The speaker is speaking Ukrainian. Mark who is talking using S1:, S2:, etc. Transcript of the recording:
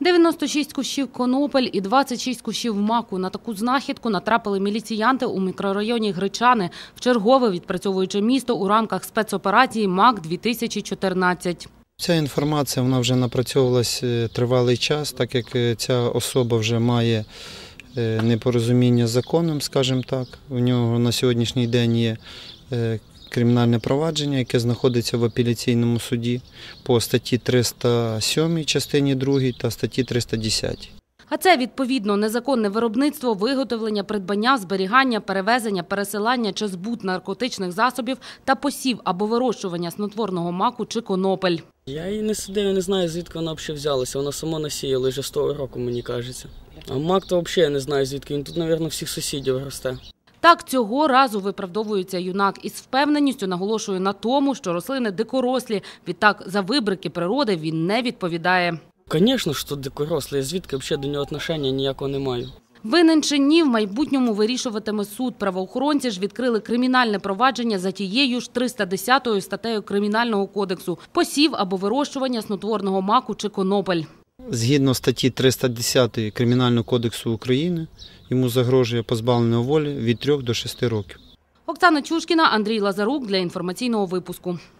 S1: 96 кущів конопель і 26 кущів маку. На таку знахідку натрапили міліціянти у мікрорайоні Гречани, вчергове відпрацьовуючи місто у рамках спецоперації МАК-2014.
S2: Ця інформація вона вже напрацьовувалася тривалий час, так як ця особа вже має непорозуміння з законом, скажімо так. У нього на сьогоднішній день є кримінальне провадження, яке знаходиться в апеляційному суді по статті 307 частині 2 та статті 310.
S1: А це, відповідно, незаконне виробництво, виготовлення, придбання, зберігання, перевезення, пересилання чи збут наркотичних засобів та посів або вирощування снотворного маку чи конопель.
S3: Я її не сидив, я не знаю, звідки вона взагалі взялася. Вона сама насіяла вже з того року, мені кажеться. А мак то взагалі я не знаю, звідки. Він тут, мабуть, всіх сусідів росте.
S1: Так, цього разу виправдовується юнак із впевненістю наголошує на тому, що рослини дикорослі. Відтак, за вибрики природи він не відповідає.
S3: Звісно, що дикорослі, звідки взагалі до нього відношення ніякого не маю.
S1: Винен чи ні, в майбутньому вирішуватиме суд. Правоохоронці ж відкрили кримінальне провадження за тією ж 310 статтею Кримінального кодексу – посів або вирощування снотворного маку чи конопель.
S2: Згідно статті 310 Кримінального кодексу України, йому загрожує позбавлення волі від 3 до 6 років.
S1: Оксана Чушкіна, Андрій Лазарук для інформаційного випуску.